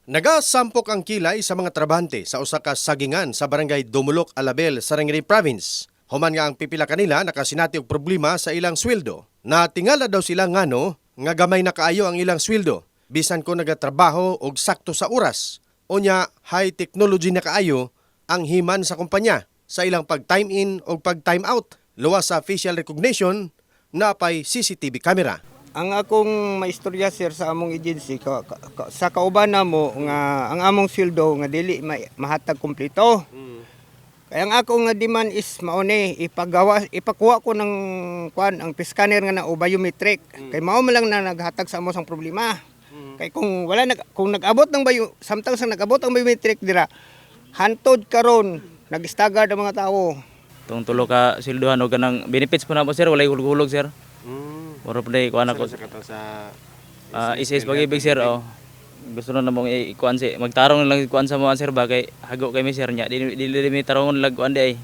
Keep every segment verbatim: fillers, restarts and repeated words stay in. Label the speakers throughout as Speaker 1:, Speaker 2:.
Speaker 1: Nagasampok ang kilay sa mga trabahante sa usa ka sagingan sa barangay Dumulok, Alabel, Sarangani Province. Human nga ang pipila kanila nakasinati og problema sa ilang sweldo. Natingala daw sila ngano nga gamay na kaayo ang ilang sweldo bisan ko nagatrabaho og sakto sa oras. Unya high technology na kaayo ang himan sa kumpanya sa ilang pag-time in o pag-time out. Luwas sa facial recognition na pay C C T V camera.
Speaker 2: Ang akong maistorya sir sa among agency ka, ka, ka, sa kauban namo nga ang among sweldo nga dili ma, mahatag kumpleto. Mm. Kaya ang akong nga demand is mauni ipagawa ipakuha ko ng kwan ang scanner nga na o biometric. Mm. Kay mao man lang na naghatag sa amo sang problema. Mm. Kay kung wala nag kung nag-abot ng bio samtang sa nag-abot ang biometric dira hantod karon nag-stagger ang mga tawo.
Speaker 3: Tung tulo ka silduhan o ganang benefits po na po sir, walay hulog-hulog sir.
Speaker 1: Mm.
Speaker 3: Moro po na ikuan ako.
Speaker 1: Sa
Speaker 3: Uh, is-is pag-ibig sir, oh. Gusto na namang ikuan si, magtarong lang ikuan sa mga sir ba, kay hago kay mi sir niya. Dili dili mi tarongon lag kuan di ay.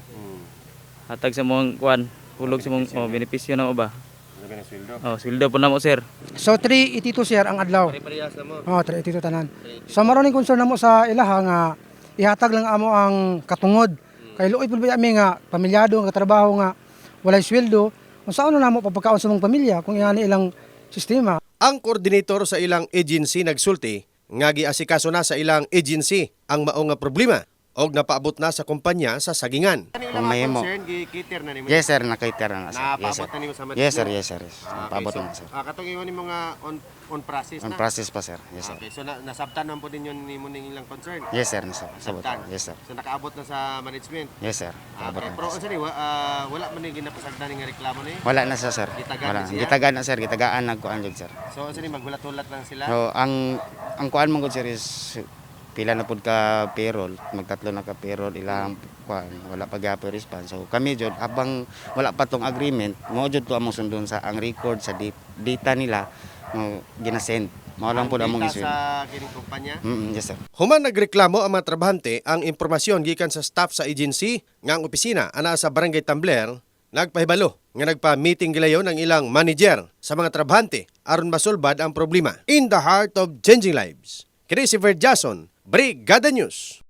Speaker 3: Hatag sa mga kuan, hulog sa mga oh, benepisyo na mo ba? Oh, sweldo po na mo sir.
Speaker 4: So three eighty-two sir ang adlaw.
Speaker 1: Pare-parehas na mo.
Speaker 4: Oh, three eighty-two tanan. So maron ning concern namo sa ilaha nga ihatag lang amo ang katungod. Kay luoy pud ba mi nga pamilyado nga trabaho nga walay sweldo. Unsaon na namo papakaon sa mong pamilya kung iyan ilang sistema.
Speaker 1: Ang koordinator sa ilang agency nagsulti nga giasikaso na sa ilang agency ang mao nga problema og napaabot na sa kumpanya sa sagingan.
Speaker 5: Kung may mo.
Speaker 1: Gikiter na nimo.
Speaker 5: Yes sir, nakaiter na sir. Yes sir.
Speaker 1: Napaabot na nimo sa
Speaker 5: Yes sir, yes sir. Yes. Napaabot
Speaker 1: so,
Speaker 5: na sir.
Speaker 1: Ah, katong ingon nimo nga on on process
Speaker 5: On
Speaker 1: na.
Speaker 5: process pa sir. Yes sir.
Speaker 1: Okay, so na, nasabtan man po din yun nimo ning ilang concern.
Speaker 5: Yes sir, nasabot.
Speaker 1: Nasabtan.
Speaker 5: Yes sir.
Speaker 1: So nakaabot na sa management.
Speaker 5: Yes sir.
Speaker 1: Ah,
Speaker 5: Naabot
Speaker 1: okay,
Speaker 5: na.
Speaker 1: pero unsa ni wa- ah, wala man ni ginapasagdan ning reklamo ni.
Speaker 5: Wala na siya sir.
Speaker 1: Gitagaan
Speaker 5: Wala.
Speaker 1: na siya?
Speaker 5: Gitagaan na sir, gitagaan nagkuan jud sir.
Speaker 1: So unsa ni maghulat-hulat lang sila.
Speaker 5: So ang ang kuan mo gud sir is pila na pud ka payroll, magtatlo na ka payroll ilang kuan, wala pa gyapon response. So kami jud habang wala pa tong agreement, mo jud to among sundon sa ang record sa dat- data nila mo ginasend. Mao lang pud among
Speaker 1: Kita
Speaker 5: isuin.
Speaker 1: sa kining kumpanya.
Speaker 5: Mm, yes sir.
Speaker 1: Human nagreklamo ang mga trabahante ang impormasyon gikan sa staff sa agency nga ang opisina ana sa Barangay Tambler nagpahibalo nga nagpa-meeting gilayon ang ilang manager sa mga trabahante aron masulbad ang problema. In the heart of changing lives. Kini si Ver Jason, Brigada News.